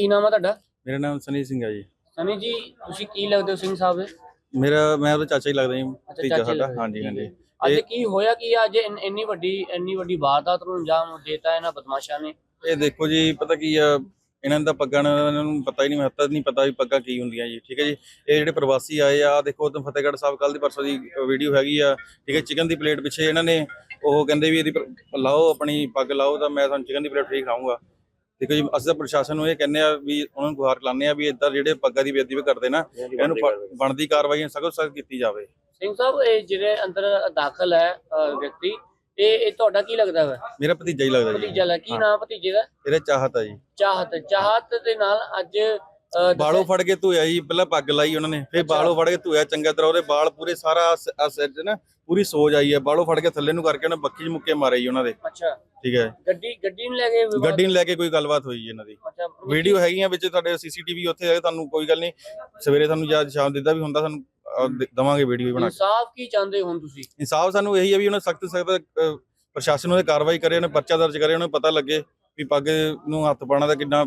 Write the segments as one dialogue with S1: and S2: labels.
S1: ਕੀ ਨਾਮ ਆ ਤੁਹਾਡਾ?
S2: ਮੇਰਾ ਨਾਮ ਸਨੀ ਸਿੰਘ ਹੈ ਜੀ।
S1: ਸਨੀ ਜੀ, ਤੁਸੀਂ ਕੀ ਲੱਗਦੇ ਹੋ ਸਿੰਘ ਸਾਹਿਬ ਦੇ?
S2: ਮੈਂ ਉਹਦਾ ਚਾਚਾ ਹੀ ਲੱਗਦਾ ਜੀ, ਭਤੀਜਾ ਸਾਡਾ। ਹਾਂਜੀ ਹਾਂਜੀ।
S1: ਅੱਜ ਕੀ ਹੋਇਆ ਕੀ ਅੱਜ ਇੰਨੀ ਵੱਡੀ ਵਾਰਦਾਤ ਨੂੰ ਅੰਜਾਮ ਦੇਤਾ ਇਹਨਾਂ ਬਦਮਾਸ਼ਾਂ ਨੇ?
S2: ਇਹ ਦੇਖੋ ਜੀ, ਪਤਾ ਕੀ ਆ, ਇਹਨਾਂ ਦਾ ਪੱਗਾਂ ਨਾਲ ਇਹਨਾਂ ਨੂੰ ਪਤਾ ਹੀ ਨਹੀਂ, ਮਹੱਤਵ ਨਹੀਂ ਪਤਾ ਵੀ ਪੱਗਾਂ ਕੀ ਹੁੰਦੀਆਂ ਜੀ। ਠੀਕ ਹੈ ਜੀ। ਇਹ ਜਿਹੜੇ ਪ੍ਰਵਾਸੀ ਆਏ ਆ, ਦੇਖੋ ਉਦੋਂ ਫਤਿਹਗੜ੍ਹ ਸਾਹਿਬ ਕੱਲ ਦੀ ਪਰਸੋਂ ਦੀ ਵੀਡੀਓ ਹੈਗੀ ਆ। ਠੀਕ ਹੈ। ਚਿਕਨ ਦੀ ਪਲੇਟ ਪਿੱਛੇ ਇਹਨਾਂ ਨੇ ਉਹ ਕਹਿੰਦੇ ਵੀ ਇਹਦੀ ਲਾਓ, ਆਪਣੀ ਪੱਗ ਲਾਓ, ਤਾਂ ਮੈਂ ਤੁਹਾਨੂੰ ਚਿਕਨ ਦੀ ਪਲੇਟ ਫ੍ਰੀ ਖਾਊਂਗਾ। ਠੀਕ ਹੈ ਜੀ। ਅਸੀਂ ਤਾਂ ਪ੍ਰਸ਼ਾਸਨ ਨੂੰ ਇਹ ਕਹਿੰਦੇ ਆ ਵੀ ਉਹਨਾਂ ਨੂੰ ਗੁਹਾਰ ਲਾਉਂਦੇ ਆ ਵੀ ਇੱਦਾਂ ਜਿਹੜੇ ਪੱਗਾਂ ਦੀ ਬੇਇੱਜ਼ਤੀ ਕਰਦੇ ਨਾ, ਇਹਨੂੰ ਬਣਦੀ ਕਾਰਵਾਈ ਸਖਤ ਸਖਤ ਕੀਤੀ ਜਾਵੇ।
S1: ਸਿੰਘ ਸਾਹਿਬ, ਇਹ ਜਿਹੜੇ ਅੰਦਰ ਦਾਖਲ ਹੈ ਵਿਅਕਤੀ, ਇਹ ਤੁਹਾਡਾ ਕੀ ਲੱਗਦਾ ਵਾ?
S2: ਮੇਰਾ ਭਤੀਜਾ ਹੀ ਲੱਗਦਾ ਜੀ।
S1: ਭਤੀਜਾ? ਕੀ ਨਾਮ ਭਤੀਜੇ ਦਾ?
S2: ਇਹਦਾ ਚਾਹਤ ਆ ਜੀ।
S1: ਚਾਹਤ ਦੇ ਨਾਲ ਅੱਜ
S2: ਬਾਲੋਂ ਫੜ ਕੇ ਧੋਇਆ ਜੀ। ਪਹਿਲਾਂ ਪੱਗ ਲਾਈ ਉਹਨਾਂ ਨੇ, ਫਿਰ ਬਾਲੋਂ ਫੜ ਕੇ ਧੋਇਆ ਚੰਗਾ ਤਰ੍ਹਾਂ। ਉਹਦੇ ਬਾਲ ਪੂਰੇ ਸਾਰਾ ਸਿਰ 'ਚ ਨਾ ਪੂਰੀ ਸੋਜ ਆਈ ਹੈ। ਬਾਲੋਂ ਫੜ ਕੇ ਥੱਲੇ ਨੂੰ ਕਰਕੇ ਉਹਨੇ ਬੱਕੀ 'ਚ ਮੁੱਕੇ ਮਾਰੇ ਜੀ ਉਹਨਾਂ ਦੇ।
S1: ਅੱਛਾ।
S2: ਠੀਕ ਹੈ।
S1: ਗੱਡੀ ਨੂੰ ਲੈ ਕੇ
S2: ਗੱਡੀ ਨੂੰ ਲੈ ਕੇ ਕੋਈ ਗੱਲਬਾਤ ਹੋਈ ਇਹਨਾਂ ਦੀ। ਵੀਡੀਓ ਹੈਗੀਆਂ ਵਿੱਚ, ਤੁਹਾਡੇ ਸੀਸੀਟੀਵੀ ਉੱਥੇ ਹੈਗੇ। ਤੁਹਾਨੂੰ ਕੋਈ ਗੱਲ ਨਹੀਂ, ਸਵੇਰੇ ਤੁਹਾਨੂੰ ਜਾਂ ਸ਼ਾਮ ਦਿੱਤਾ ਵੀ ਹੁੰਦਾ, ਸਾਨੂੰ ਦਵਾਂਗੇ ਵੀਡੀਓ ਬਣਾ ਕੇ।
S1: ਇਨਸਾਫ ਕੀ ਚਾਹੁੰਦੇ ਹੋ ਤੁਸੀਂ?
S2: ਇਨਸਾਫ ਸਾਨੂੰ ਇਹੀ ਹੈ ਵੀ ਉਹਨਾਂ ਸਖਤ ਪ੍ਰਸ਼ਾਸਨ ਉਹਨੇ ਕਾਰਵਾਈ ਕਰੇ, ਉਹਨੇ ਪਰਚਾ ਦਰਜ ਕਰੇ, ਉਹਨੂੰ ਪਤਾ ਲੱਗੇ ਵੀ ਪੱਗ ਨੂੰ ਹੱਥ ਪਾਉਣਾ ਦਾ ਕਿੰਨਾ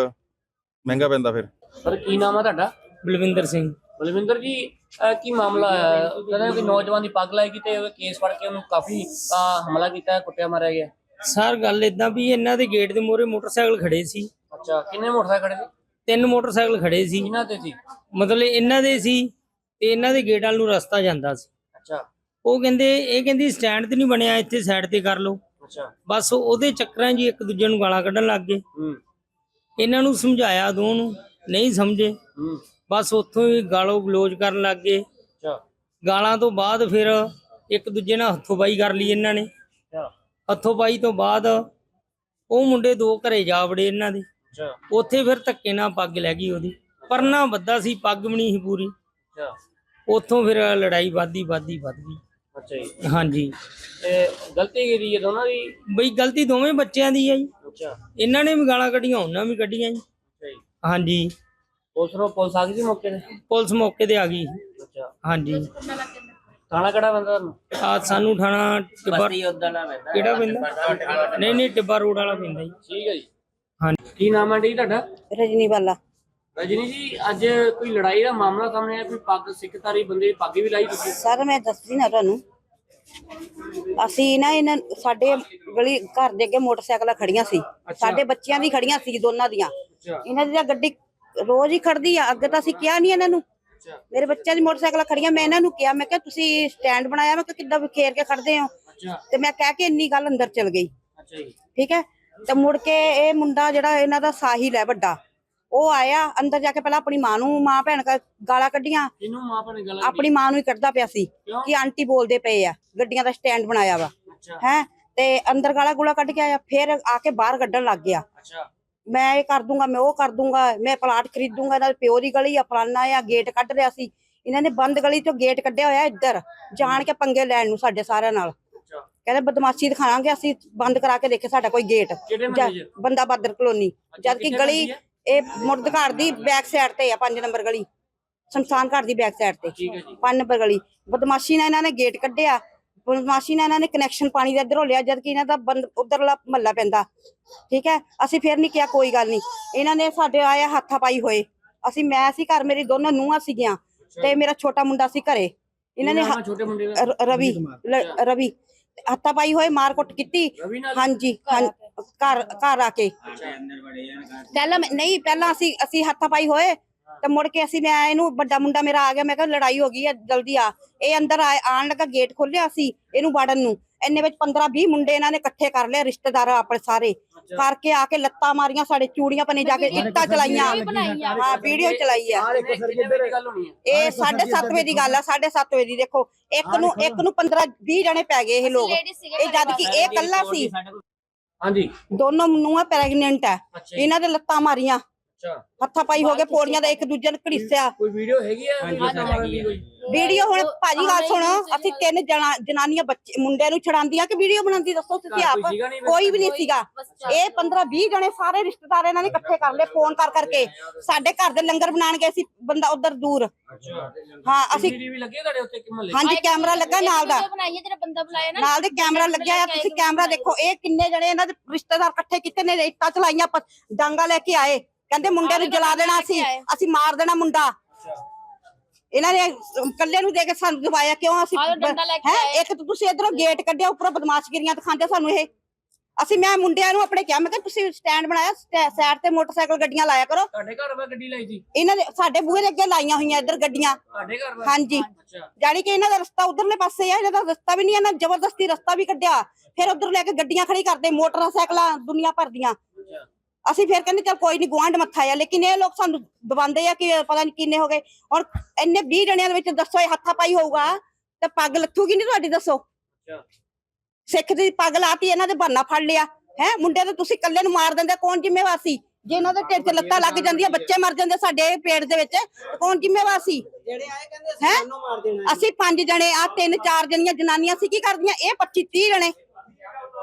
S2: ਮਹਿੰਗਾ ਪੈਂਦਾ। ਫਿਰ
S1: ਸਰ, ਕੀ ਨਾਮ ਹੈ ਤੁਹਾਡਾ?
S3: ਬਲਵਿੰਦਰ ਸਿੰਘ।
S1: ਬਲਵਿੰਦਰ ਜੀ, ਕੀ ਮਾਮਲਾ ਹੈ? ਕਹਿੰਦੇ ਕਿ ਨੌਜਵਾਨ ਦੀ ਪੱਗ ਲਾਈ ਤੇ ਕੇਸ ਫੜ ਕੇ ਉਹਨੂੰ ਕਾਫੀ ਹਮਲਾ ਕੀਤਾ, ਕੁੱਟਿਆ ਮਾਰਿਆ ਗਿਆ।
S3: ਸਰ ਗੱਲ ਇਦਾਂ ਵੀ ਇਹਨਾਂ ਦੇ ਗੇਟ ਦੇ ਮੂਹਰੇ ਮੋਟਰਸਾਈਕਲ ਖੜੇ ਸੀ।
S1: ਅੱਛਾ। ਕਿੰਨੇ ਮੋਟਰਸਾਈਕਲ ਖੜੇ ਸੀ?
S3: 3 ਮੋਟਰਸਾਈਕਲ ਖੜੇ ਸੀ।
S1: ਇਹਨਾਂ ਤੇ ਸੀ?
S3: ਮਤਲਬ ਇਹਨਾਂ ਦੇ ਸੀ ਤੇ ਇਹਨਾਂ ਦੇ ਗੇਟ ਵੱਲ ਨੂੰ ਰਸਤਾ ਜਾਂਦਾ ਸੀ।
S1: ਅੱਛਾ।
S3: ਉਹ ਕਹਿੰਦੀ ਸਟੈਂਡ ਤੇ ਨਹੀਂ ਬਣਿਆ, ਇੱਥੇ ਸਾਈਡ ਤੇ ਕਰ ਲਓ।
S1: ਅੱਛਾ।
S3: ਬਸ ਉਹਦੇ ਚੱਕਰਾਂ 'ਚ ਇੱਕ ਦੂਜੇ ਨੂੰ ਗਾਲਾਂ ਕੱਢਣ ਲੱਗ ਗਏ। ਇਹਨਾਂ ਨੂੰ ਸਮਝਾਇਆ, ਦੋ ਨੂੰ ਨਹੀਂ ਸਮਝੇ। ਬਸ ਉੱਥੋਂ ਹੀ ਗਾਲੋਂ ਗਲੋਚ ਕਰਨ ਲੱਗ ਗਏ। ਗਾਲਾਂ ਤੋਂ ਬਾਅਦ ਫਿਰ ਇੱਕ ਦੂਜੇ ਨਾਲ ਹੱਥੋਂ-ਪਾਈ ਕਰ ਲਈ ਇਹਨਾਂ ਨੇ। ਹੱਥੋਂ-ਪਾਈ ਤੋਂ ਬਾਅਦ ਉਹ ਮੁੰਡੇ 2 ਘਰੇ ਜਾ ਵੜੇ ਇਹਨਾਂ ਦੇ। ਉੱਥੇ ਫਿਰ ਧੱਕੇ ਨਾਲ ਪੱਗ ਲੈ ਗਈ ਉਹਦੀ। ਪਰਨਾ ਬੱਧਾ ਸੀ, ਪੱਗ ਵੀ ਨਹੀਂ ਸੀ ਪੂਰੀ। ਉੱਥੋਂ ਫਿਰ ਲੜਾਈ ਵੱਧ ਗਈ।
S1: ਅੱਛਾ ਜੀ।
S3: ਹਾਂਜੀ।
S1: ਗਲਤੀ ਕਿਹਦੀ ਹੈ ਦੋਨਾਂ ਦੀ?
S3: ਬਈ ਗਲਤੀ ਦੋਵੇਂ ਬੱਚਿਆਂ ਦੀ ਹੈ ਜੀ।
S1: ਅੱਛਾ।
S3: ਇਹਨਾਂ ਨੇ ਵੀ ਗਾਲਾਂ ਕੱਢੀਆਂ, ਉਹਨਾਂ ਵੀ ਕੱਢੀਆਂ ਜੀ। ਹਾਂਜੀ।
S1: ਪੁਲਿਸ ਆ ਗਈ ਸੀ ਮੌਕੇ ਤੇ?
S3: ਪੁਲਿਸ ਮੌਕੇ ਤੇ ਆ ਗਈ।
S1: ਅੱਛਾ।
S3: ਹਾਂਜੀ।
S1: ਥਾਣਾ ਕਿਹੜਾ ਪੈਂਦਾ ਤੁਹਾਨੂੰ?
S3: ਸਾਨੂੰ ਥਾਣਾ ਟਿੱਬਾ ਕਿਹੜਾ ਪੈਂਦਾ? ਨਹੀਂ ਟਿੱਬਾ ਰੋਡ ਵਾਲਾ ਪੈਂਦਾ ਜੀ।
S1: ਠੀਕ ਹੈ ਜੀ।
S3: ਹਾਂਜੀ।
S1: ਕੀ ਨਾਮ ਹੈ ਜੀ ਤੁਹਾਡਾ?
S4: ਰਜਨੀ ਵਾਲਾ।
S1: ਰਜਨੀ ਜੀ, ਅੱਜ ਕੋਈ ਲੜਾਈ ਦਾ ਮਾਮਲਾ ਸਾਹਮਣੇ ਆਇਆ, ਕੋਈ ਪੱਗ ਸਿੱਖਧਾਰੀ ਬੰਦੇ ਪੱਗ ਵੀ ਲਾਈ ਤੁਸੀਂ?
S4: ਸਰ ਮੈਂ ਦੱਸਦੀ ਨਾ ਤੁਹਾਨੂੰ, ਅਸੀਂ ਨਾ ਇਹਨਾਂ ਸਾਡੇ ਗਲੀ ਘਰ ਦੇ ਅੱਗੇ ਮੋਟਰਸਾਈਕਲਾਂ ਖੜੀਆਂ ਸੀ। ਸਾਡੇ ਬੱਚਿਆਂ ਦੀ ਖੜੀਆਂ ਸੀ, ਦੋਨਾਂ ਦੀਆਂ। ਇਹਨਾਂ ਦੀ ਤਾਂ ਗੱਡੀ ਰੋਜ਼ ਹੀ ਖੜਦੀ ਆ। ਅੱਗੇ ਤਾਂ ਅਸੀਂ ਕਿਹਾ ਨਹੀਂ ਇਹਨਾਂ ਨੂੰ। ਮੇਰੇ ਬੱਚਿਆਂ ਦੀ ਮੋਟਰਸਾਈਕਲਾਂ ਖੜੀਆਂ, ਮੈਂ ਇਹਨਾਂ ਨੂੰ ਕਿਹਾ, ਮੈਂ ਕਿਹਾ ਤੁਸੀਂ ਸਟੈਂਡ ਬਣਾਇਆ, ਮੈਂ ਕਿਹਾ ਕਿੱਦਾਂ ਵਿਖੇਰ ਕੇ ਖੜਦੇ ਹੋ? ਤੇ ਮੈਂ ਕਹਿ ਕੇ ਇੰਨੀ ਗੱਲ ਅੰਦਰ ਚਲ ਗਈ। ਠੀਕ ਹੈ। ਤੇ ਮੁੜ ਕੇ ਇਹ ਮੁੰਡਾ ਜਿਹੜਾ ਇਹਨਾਂ ਦਾ ਸਾਹਿਲ ਹੈ ਵੱਡਾ, ਉਹ ਆਇਆ ਅੰਦਰ ਜਾ ਕੇ ਪਹਿਲਾਂ ਆਪਣੀ ਮਾਂ ਭੈਣ ਗਾਲਾਂ ਕੱਢੀਆਂ। ਆਪਣੀ ਮਾਂ ਨੂੰ ਹੀ ਕੱਢਦਾ ਪਿਆ ਸੀ ਕਿ ਆਂਟੀ ਬੋਲਦੇ ਪਏ ਆ, ਗੱਡੀਆਂ ਦਾ ਸਟੈਂਡ ਬਣਾਇਆ ਵਾ ਹੈ। ਤੇ ਅੰਦਰ ਗਾਲਾਂ ਗੂਲਾ ਕੱਢ ਕੇ ਆਇਆ, ਫਿਰ ਆ ਕੇ ਬਾਹਰ ਕੱਢਣ ਲੱਗ ਗਿਆ। ਮੈਂ ਇਹ ਕਰ ਦੂੰਗਾ, ਮੈਂ ਉਹ ਕਰ ਦੂੰਗਾ, ਮੈਂ ਪਲਾਟ ਖਰੀਦੂੰਗਾ, ਇਹਨਾਂ ਦੇ ਪਿਓ ਦੀ ਗਲੀ ਆ, ਫਲਾਨਾ ਆ। ਗੇਟ ਕੱਢ ਰਿਹਾ ਸੀ ਇਹਨਾਂ ਨੇ, ਬੰਦ ਗਲੀ ਚੋਂ ਗੇਟ ਕੱਢਿਆ ਹੋਇਆ ਇੱਧਰ, ਜਾਣ ਕੇ ਪੰਗੇ ਲੈਣ ਨੂੰ ਸਾਡੇ ਸਾਰਿਆਂ ਨਾਲ। ਕਹਿੰਦੇ ਬਦਮਾਸ਼ੀ ਦਿਖਾਵਾਂਗੇ ਅਸੀਂ, ਬੰਦ ਕਰਾ ਕੇ ਦੇਖੇ ਸਾਡਾ ਕੋਈ ਗੇਟ। ਬੰਦਾ ਬਾਦਰ ਕਲੋਨੀ, ਜਦ ਕਿ ਗਲੀ ਇਹ ਮੁਰਦ ਘਰ ਦੀ ਬੈਕ ਸਾਈਡ ਤੇ ਆ, 5 ਨੰਬਰ ਗਲੀ, ਸ਼ਮਸ਼ਾਨ ਘਰ ਦੀ ਬੈਕ ਸਾਈਡ ਤੇ 5 ਨੰਬਰ ਗਲੀ। ਬਦਮਾਸ਼ੀ ਨਾਲ ਇਹਨਾਂ ਨੇ ਗੇਟ ਕੱਢਿਆ, ਬਦਮਾਸ਼ੀ ਨਾਲ ਇਹਨਾਂ ਨੇ ਕਨੈਕਸ਼ਨ ਪਾਣੀ ਦਾ ਇੱਧਰੋਂ ਲਿਆ, ਜਦ ਕਿ ਇਹਨਾਂ ਦਾ ਉਧਰਲਾ ਮਹੱਲਾ ਪੈਂਦਾ। ਠੀਕ ਹੈ। ਅਸੀਂ ਫਿਰ ਨਹੀਂ ਕਿਹਾ ਕੋਈ ਗੱਲ ਨਹੀਂ। ਇਹਨਾਂ ਨੇ ਸਾਡੇ ਆਇਆ ਹੱਥਾਪਾਈ ਹੋਏ। ਮੈਂ ਸੀ ਘਰ, ਮੇਰੀ ਦੋਨੋਂ ਨੂੰਹਾਂ ਸੀਗੀਆਂ ਤੇ ਮੇਰਾ ਛੋਟਾ ਮੁੰਡਾ ਸੀ ਘਰੇ। ਇਹਨਾਂ ਨੇ ਰਵੀ ਹੱਥਾਪਾਈ ਹੋਏ, ਮਾਰ ਕੁੱਟ ਕੀਤੀ। ਹਾਂਜੀ। ਘਰ ਆ ਕੇ ਪਹਿਲਾਂ ਅਸੀਂ ਹੱਥਾਪਾਈ ਹੋਏ ਤੇ ਮੁੜ ਕੇ ਮੈਂ ਇਹਨੂੰ, ਵੱਡਾ ਮੁੰਡਾ ਮੇਰਾ ਆ ਗਿਆ, ਮੈਂ ਕਿਹਾ ਲੜਾਈ ਹੋ ਗਈ ਹੈ, ਜਲਦੀ ਆ। ਇਹ ਅੰਦਰ ਆਣ ਲੱਗਾ, ਗੇਟ ਖੋਲਿਆ ਸੀ ਇਹਨੂੰ ਵਾੜਨ ਨੂੰ। ਇੰਨੇ ਵਿੱਚ 15-20 ਮੁੰਡੇ ਇਹਨਾਂ ਨੇ ਇਕੱਠੇ ਕਰ ਲਿਆ, ਰਿਸ਼ਤੇਦਾਰ ਆਪਣੇ ਸਾਰੇ ਕਰਕੇ ਆ ਕੇ ਲੱਤਾਂ ਮਾਰੀਆਂ, ਸਾਡੇ ਚੂੜੀਆਂ ਪਨੇ ਜਾ ਕੇ ਇੱਟਾਂ ਚਲਾਈਆਂ। ਹਾਂ, ਵੀਡੀਓ ਚਲਾਈ ਆ। ਇਹ 7:30 ਵਜੇ ਦੀ ਗੱਲ ਆ, 7:30 ਵਜੇ ਦੀ। ਦੇਖੋ, ਇੱਕ ਨੂੰ 15-20 ਜਣੇ ਪੈ ਗਏ ਇਹ ਲੋਕ, ਇਹ ਜਦ ਕਿ ਇਹ ਇਕੱਲਾ ਸੀ।
S1: ਹਾਂਜੀ।
S4: ਦੋਨੋਂ ਨੂੰਹਾਂ ਪ੍ਰੈਗਨੈਂਟ ਆ, ਇਹਨਾਂ ਦੇ ਲੱਤਾਂ ਮਾਰੀਆਂ, ਹੱਥਾਪਾਈ ਹੋ ਗਏ, ਪੌੜੀਆਂ ਦਾ ਇੱਕ ਦੂਜੇ ਨੂੰ ਘੜੀਸਿਆ।
S1: ਕੋਈ ਵੀਡੀਓ ਹੈਗੀ ਆ?
S4: ਵੀਡੀਓ ਹੁਣ ਭਾਜੀ ਗੱਲ ਸੁਣੋ, ਅਸੀਂ 3 ਜਨਾਨੀਆਂ ਬੱਚੇ ਮੁੰਡਿਆਂ ਨੂੰ ਛਡਾਉਂਦੀਆਂ ਕਿ ਵੀਡੀਓ ਬਣਾਉਂਦੀ? ਦੱਸੋ ਤੁਸੀਂ ਆਪ। ਕੋਈ ਵੀ ਨਹੀਂ ਸੀਗਾ। ਇਹ 15-20 ਜਣੇ ਸਾਰੇ ਰਿਸ਼ਤੇਦਾਰ ਇਹਨਾਂ ਨੇ ਇਕੱਠੇ ਕਰ ਲਏ, ਫੋਨ ਕਰਕੇ। ਸਾਡੇ ਘਰ ਦੇ ਲੰਗਰ ਬਣਾਉਣ ਗਏ ਸੀ, ਬੰਦਾ ਉਧਰ ਦੂਰ। ਹਾਂ, ਅਸੀਂ ਹਾਂਜੀ, ਕੈਮਰਾ ਲੱਗਾ ਨਾਲ ਦਾ, ਨਾਲ ਦੇ ਕੈਮਰਾ ਲੱਗਿਆ ਆ। ਤੁਸੀਂ ਕੈਮਰਾ ਦੇਖੋ, ਇਹ ਕਿੰਨੇ ਜਣੇ ਇਹਨਾਂ ਦੇ ਰਿਸ਼ਤੇਦਾਰ ਇਕੱਠੇ ਕੀਤੇ ਨੇ, ਇੱਟਾਂ ਚਲਾਈਆਂ, ਡਾਂਗਾ ਲੈ ਕੇ ਆਏ। ਕਹਿੰਦੇ ਮੁੰਡੇ ਨੂੰ ਜਲਾ ਦੇਣਾ ਅਸੀਂ ਮਾਰ ਦੇਣਾ ਮੁੰਡਾ। ਇਹਨਾਂ ਨੇ ਕੱਲੇ ਨੂੰ ਦੇ ਕੇ ਸਾਨੂੰ ਦਵਾਇਆ ਕਿਉਂ? ਅਸੀਂ ਹੈ ਇੱਕ ਤਾਂ ਤੁਸੀਂ ਇਧਰੋਂ ਗੇਟ ਕੱਢਿਆ, ਉੱਪਰੋਂ ਬਦਮਾਸ਼ਗੀਰੀਆਂ ਦਿਖਾਉਂਦੇ ਸਾਨੂੰ ਇਹ। ਮੈਂ ਮੁੰਡਿਆਂ ਨੂੰ ਆਪਣੇ ਕਿਹਾ, ਮੈਂ ਕਿਹਾ ਤੁਸੀਂ ਸਟੈਂਡ ਬਣਾਇਆ, ਸਾਈਡ ਤੇ ਮੋਟਰਸਾਈਕਲ ਗੱਡੀਆਂ ਲਾਇਆ ਕਰੋ।
S1: ਤੁਹਾਡੇ ਘਰ ਵਾ ਗੱਡੀ ਲਾਈ ਸੀ?
S4: ਇਹਨਾਂ ਦੇ ਸਾਡੇ ਬੂਹੇ ਦੇ ਅੱਗੇ ਲਾਈਆਂ ਹੋਈਆਂ ਇੱਧਰ ਗੱਡੀਆਂ।
S1: ਤੁਹਾਡੇ ਘਰ ਵਾ?
S4: ਹਾਂਜੀ, ਜਾਨੀ ਕਿ ਇਹਨਾਂ ਦਾ ਰਸਤਾ ਉਧਰਲੇ ਪਾਸੇ ਆ, ਇਹਨਾਂ ਦਾ ਰਸਤਾ ਵੀ ਨਹੀਂ, ਇਹਨਾਂ ਜ਼ਬਰਦਸਤੀ ਰਸਤਾ ਵੀ ਕੱਢਿਆ। ਫਿਰ ਉਧਰ ਲੈ ਕੇ ਗੱਡੀਆਂ ਖੜੀ ਕਰਦੇ, ਮੋਟਰਸਾਈਕਲਾਂ ਦੁਨੀਆ ਭਰ ਦੀਆਂ। ਅਸੀਂ ਫਿਰ ਕਹਿੰਦੇ ਚੱਲ ਕੋਈ ਨਹੀਂ, ਗੁਆਂਢ ਮੱਥਾ ਆ, ਲੇਕਿਨ ਇਹ ਲੋਕ ਸਾਨੂੰ ਦਬਾਉਂਦੇ ਆ ਕਿ ਪਤਾ ਨਹੀਂ ਕਿੰਨੇ ਹੋ ਗਏ। ਔਰ ਇੰਨੇ 20 ਜਣਿਆਂ ਦੇ ਵਿੱਚ ਦੱਸੋ ਇਹ ਹੱਥਾ ਪਾਈ ਹੋਊਗਾ ਤੇ ਪੱਗ ਲੱਥੂਗੀ ਨਹੀਂ ਤੁਹਾਡੀ? ਦੱਸੋ, ਸਿੱਖ ਦੀ ਪੱਗ ਲਾਤੀ, ਇਹਨਾਂ ਦੇ ਬਹਾਨਾ ਫੜ ਲਿਆ ਹੈ। ਮੁੰਡੇ ਤੇ ਤੁਸੀਂ ਇਕੱਲੇ ਨੂੰ ਮਾਰ ਦਿੰਦੇ, ਕੌਣ ਜ਼ਿੰਮੇਵਾਰ ਸੀ? ਜੇ ਇਹਨਾਂ ਦੇ ਢਿੱਡ 'ਚ ਲੱਤਾਂ ਲੱਗ ਜਾਂਦੀਆਂ, ਬੱਚੇ ਮਰ ਜਾਂਦੇ ਸਾਡੇ ਪੇਟ ਦੇ ਵਿੱਚ, ਕੌਣ ਜ਼ਿੰਮੇਵਾਰ ਸੀ? ਅਸੀਂ 5 ਜਣੇ, 3-4 ਜਣੀਆਂ ਜਨਾਨੀਆਂ ਸੀ, ਕੀ ਕਰਦੀਆਂ? ਇਹ 25-30 ਜਣੇ।